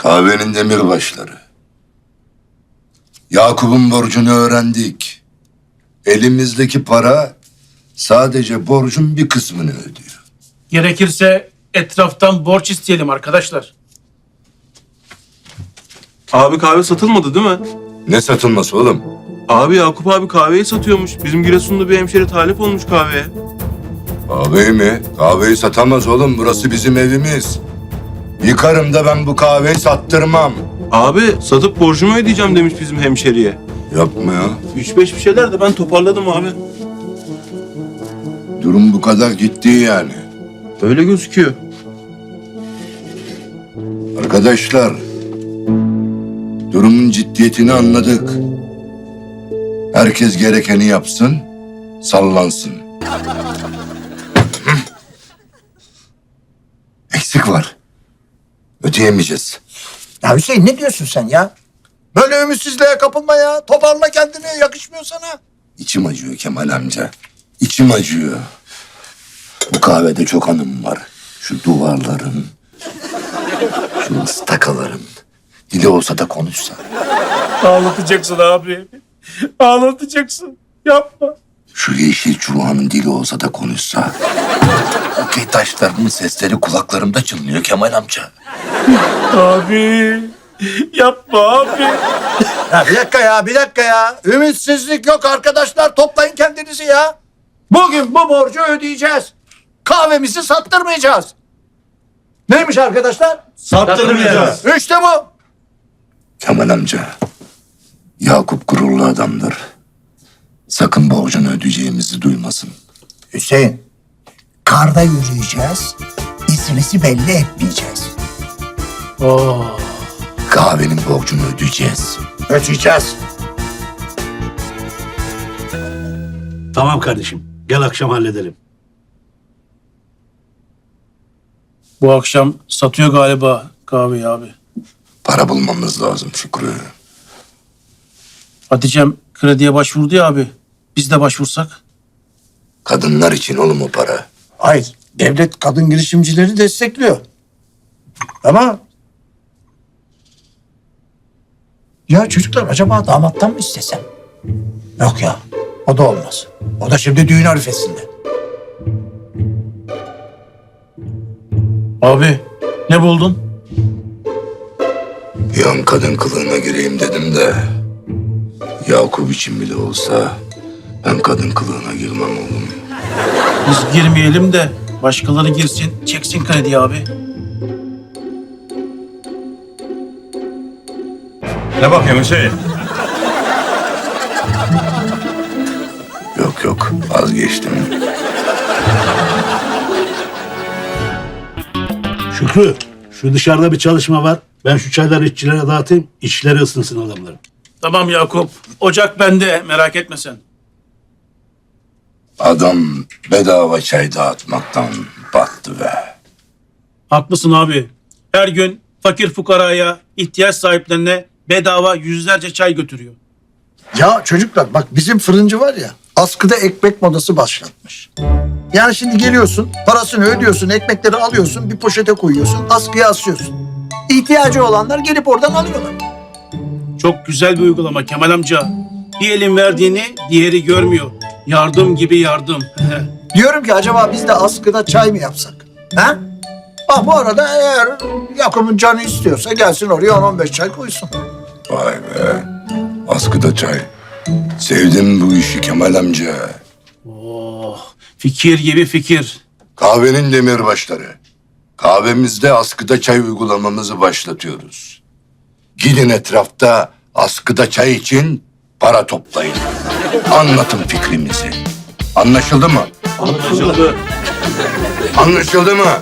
Kahvenin demirbaşları. Yakup'un borcunu öğrendik. Elimizdeki para sadece borcun bir kısmını ödüyor. Gerekirse etraftan borç isteyelim arkadaşlar. Abi kahve satılmadı değil mi? Ne satılması oğlum? Abi Yakup abi kahveyi satıyormuş. Bizim Giresun'da bir hemşeri talip olmuş kahveye. Kahveyi mi? Kahveyi satamaz oğlum. Burası bizim evimiz. Yıkarım da ben bu kahveyi sattırmam. Abi satıp borcumu ödeyeceğim demiş bizim hemşeriye. Yapma ya. 3-5 bir şeyler de ben toparladım abi. Durum bu kadar ciddi yani. Öyle gözüküyor. Arkadaşlar, durumun ciddiyetini anladık. Herkes gerekeni yapsın, sallansın. Eksik var. Ödeyemeyeceğiz. Ya Hüseyin ne diyorsun sen ya? Böyle ümitsizliğe kapılma ya. Toparla kendini, yakışmıyor sana. İçim acıyor Kemal amca. İçim acıyor. Bu kahvede çok hanım var. Şu duvarların, şu ıstakaların. Dili olsa da konuşsa. Ağlatacaksın abi. Ağlatacaksın. Yapma. Şu yeşil çubuğanın dili olsa da konuşsa. Okey taşlarının sesleri kulaklarımda çınlıyor Kemal amca. Abi. Yapma abi. Ya bir dakika ya. Ümitsizlik yok arkadaşlar. Toplayın kendinizi ya. Bugün bu borcu ödeyeceğiz. Kahvemizi sattırmayacağız. Neymiş arkadaşlar? Sattırmayacağız. İşte bu. Kemal amca, Yakup gururlu adamdır. Sakın borcunu ödeyeceğimizi duymasın. Hüseyin, karda yürüyeceğiz. İzimizi belli etmeyeceğiz. Kahvenin borcunu ödeyeceğiz. Ödeyeceğiz. Tamam kardeşim. Gel akşam halledelim. Bu akşam satıyor galiba kahveyi abi. Para bulmamız lazım Şükrü. Hatice'm krediye başvurdu ya abi. Biz de başvursak. Kadınlar için oğlum o para. Hayır, devlet kadın girişimcileri destekliyor. Ama... Ya çocuklar acaba damattan mı istesem? Yok ya, o da olmaz. O da şimdi düğün arifesinde. Abi ne buldun? Bir an kadın kılığına gireyim dedim de... Yakup için bile olsa ben kadın kılığına girmem oğlum. Biz girmeyelim de başkaları girsin, çeksin krediyi abi. Ne bakıyorsun Hüseyin? Yok vazgeçtim. Şükrü, şu dışarıda bir çalışma var. Ben şu çayları işçilere dağıtayım. İşçileri ısınsın adamların. Tamam Yakup. Ocak bende, merak etme sen. Adam bedava çay dağıtmaktan battı be. Haklısın abi. Her gün fakir fukaraya, ihtiyaç sahiplerine bedava yüzlerce çay götürüyor. Ya çocuklar bak bizim fırıncı var ya, askıda ekmek modası başlatmış. Yani şimdi geliyorsun, parasını ödüyorsun, ekmekleri alıyorsun, bir poşete koyuyorsun, askıya asıyorsun. İhtiyacı olanlar gelip oradan alıyorlar. Çok güzel bir uygulama Kemal amca. Bir elin verdiğini diğeri görmüyor. Yardım gibi yardım. Diyorum ki acaba biz de askıda çay mı yapsak? Ha? Ah bu arada eğer Yakup'un canı istiyorsa gelsin oraya 10-15 çay koysun. Vay be. Askıda çay. Sevdim bu işi Kemal amca. Oh, fikir gibi fikir. Kahvenin demirbaşları. Kahvemizde askıda çay uygulamamızı başlatıyoruz. Gidin etrafta askıda çay için para toplayın. Anlatın fikrimizi. Anlaşıldı mı? Anlaşıldı. Anlaşıldı mı?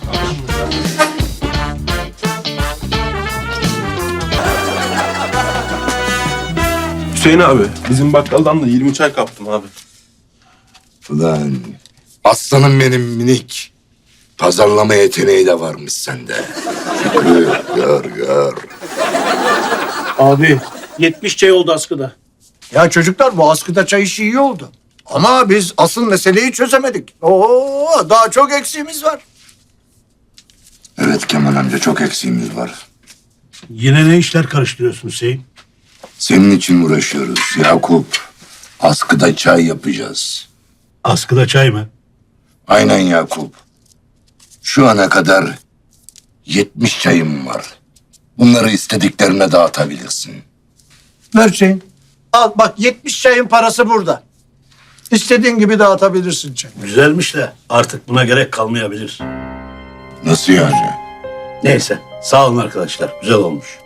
Hüseyin abi bizim bakkaldan da 20 çay kaptım abi. Ulan aslanım benim minik. Pazarlama yeteneği de varmış sende. Şükrü gör. Abi 70 çay oldu askıda. Ya çocuklar bu askıda çay işi iyi oldu. Ama biz asıl meseleyi çözemedik. Oo, daha çok eksiğimiz var. Evet Kemal amca çok eksiğimiz var. Yine ne işler karıştırıyorsun Hüseyin? Senin için uğraşıyoruz Yakup. Askıda çay yapacağız. Askıda çay mı? Aynen Yakup. Şu ana kadar 70 çayım var. Bunları istediklerine dağıtabilirsin. Ver Hüseyin. Al bak 70 çayın parası burada. İstediğin gibi dağıtabilirsin çayı. Güzelmiş de artık buna gerek kalmayabilir. Nasıl yani? Neyse sağ olun arkadaşlar. Güzel olmuş.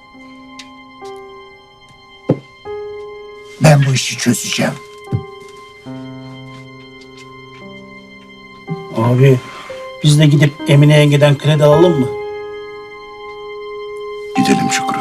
Ben bu işi çözeceğim. Abi biz de gidip Emine yengeden kredi alalım mı? Gidelim Şükrü.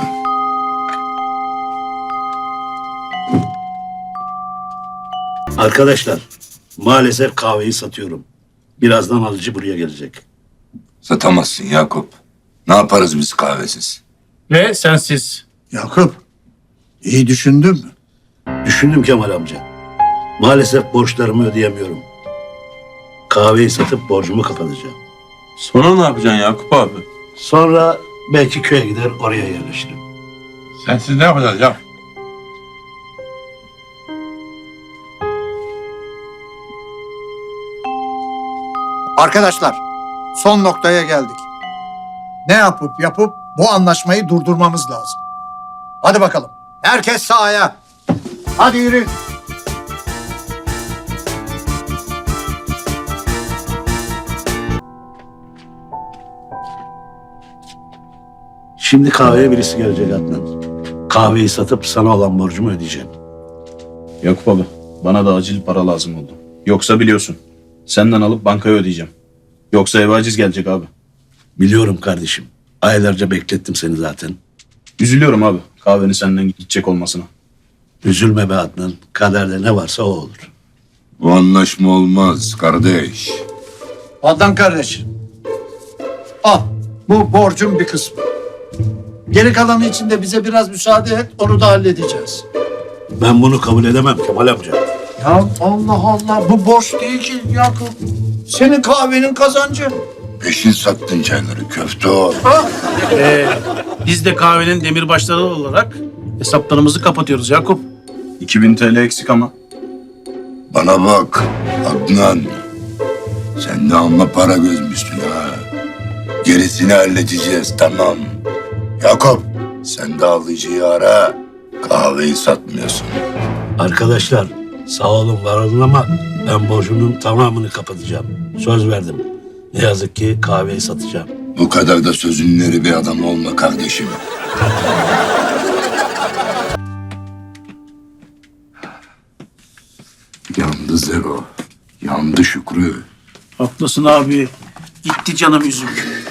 Arkadaşlar maalesef kahveyi satıyorum. Birazdan alıcı buraya gelecek. Satamazsın Yakup. Ne yaparız biz kahvesiz? Ve sensiz. Yakup, iyi düşündün mü? Düşündüm Kemal amca. Maalesef borçlarımı ödeyemiyorum. Kahveyi satıp borcumu kapatacağım. Sonra ne yapacaksın Yakup abi? Sonra belki köye gider oraya yerleşirim. Sensiz ne yapacağız ya? Arkadaşlar, son noktaya geldik. Ne yapıp bu anlaşmayı durdurmamız lazım. Hadi bakalım. Herkes sahaya. Hadi yürü. Şimdi kahveye birisi gelecek Adnan. Kahveyi satıp sana olan borcumu ödeyeceğim. Yakup abi, bana da acil para lazım oldu. Yoksa biliyorsun, senden alıp bankaya ödeyeceğim. Yoksa eve aciz gelecek abi. Biliyorum kardeşim. Aylarca beklettim seni zaten. Üzülüyorum abi, kahvenin senden gidecek olmasına. Üzülme be Adnan. Kaderde ne varsa o olur. Bu anlaşma olmaz kardeş. Adnan kardeş. Al. Bu borcun bir kısmı. Geri kalanı için de bize biraz müsaade et. Onu da halledeceğiz. Ben bunu kabul edemem Kemal amca. Ya Allah Allah. Bu borç değil ki Yakup. Senin kahvenin kazancı. Peşin sattın çayları köfte ol. Biz de kahvenin demirbaşları olarak hesaplarımızı kapatıyoruz Yakup. 2000 TL eksik ama. Bana bak Adnan. Sen de amma para gözmüşsün ha. Gerisini halledeceğiz tamam. Yakup sen de alıcıyı ara. Kahveyi satmıyorsun. Arkadaşlar sağ olun var olun ama ben borcumun tamamını kapatacağım. Söz verdim. Ne yazık ki kahveyi satacağım. Bu kadar da sözünleri bir adam olma kardeşim. Yandı Zero. Yandı Şükrü. Haklısın abi. Gitti canım yüzüm.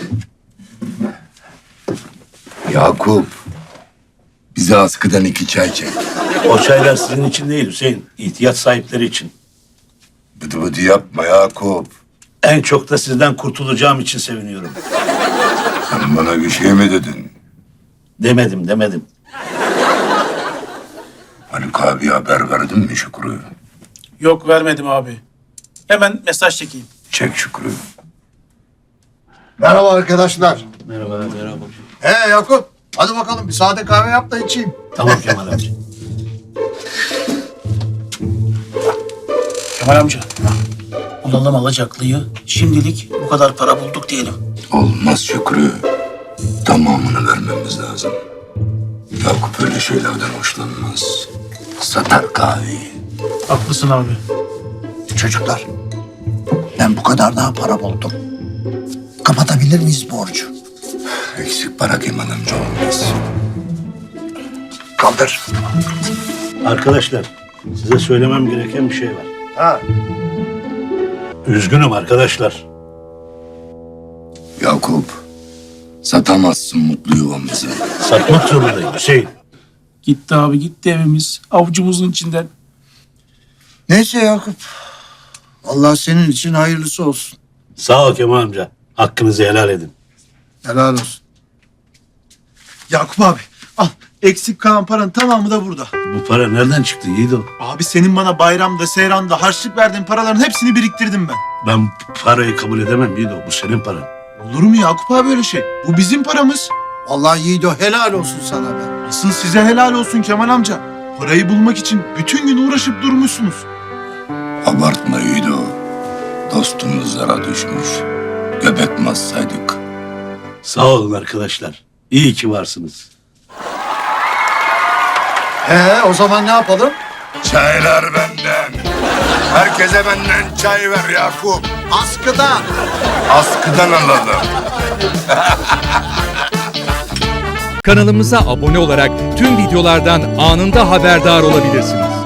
Yakup. Bize askıdan 2 çay çek. O çaylar sizin için değil Hüseyin. İhtiyaç sahipleri için. Bıdı bıdı yapma Yakup. En çok da sizden kurtulacağım için seviniyorum. Sen bana bir şey mi dedin? Demedim. Haluk abi haber verdin mi Şükrü? Yok vermedim abi. Hemen mesaj çekeyim. Çek Şükrü. Merhaba arkadaşlar. Merhaba. Yakup. Hadi bakalım bir sade kahve yap da içeyim. Tamam Kemal amca. Kemal amca. Alalım alacaklıyı. Şimdilik bu kadar para bulduk diyelim. Olmaz Şükrü. Tamamını vermemiz lazım. Yakup öyle şeylerden hoşlanmaz. Satar kahveyi. Haklısın abi. Çocuklar. Ben bu kadar daha para buldum. Kapatabilir miyiz borcu? Eksik para Kemal amca olmaz. Kaldır. Arkadaşlar size söylemem gereken bir şey var. Ha. Üzgünüm arkadaşlar. Yakup. Satamazsın mutlu yuvamızı. Satmak zorundayım Hüseyin. Gitti abi gitti evimiz. Avucumuzun içinden. Neyse Yakup. Allah senin için hayırlısı olsun. Sağ ol Kemal amca. Hakkınızı helal edin. Helal olsun. Yakup abi al. Eksik kalan paranın tamamı da burada. Bu para nereden çıktı Yiğido? Abi senin bana bayramda, seyranda harçlık verdiğin paraların hepsini biriktirdim ben. Ben parayı kabul edemem Yiğido. Bu senin paran. Olur mu Yakup abi öyle şey? Bu bizim paramız. Allah Yiğido helal olsun sana be. Asıl size helal olsun Kemal amca. Parayı bulmak için bütün gün uğraşıp durmuşsunuz. Abartma Yiğido. Dostumuz zara düşmüş. Göbek mi atsaydık? Sağ olun arkadaşlar. İyi ki varsınız. O zaman ne yapalım? Çaylar benden. Herkese benden çay ver Yakup. Askıda. Askıdan alalım. Kanalımıza abone olarak tüm videolardan anında haberdar olabilirsiniz.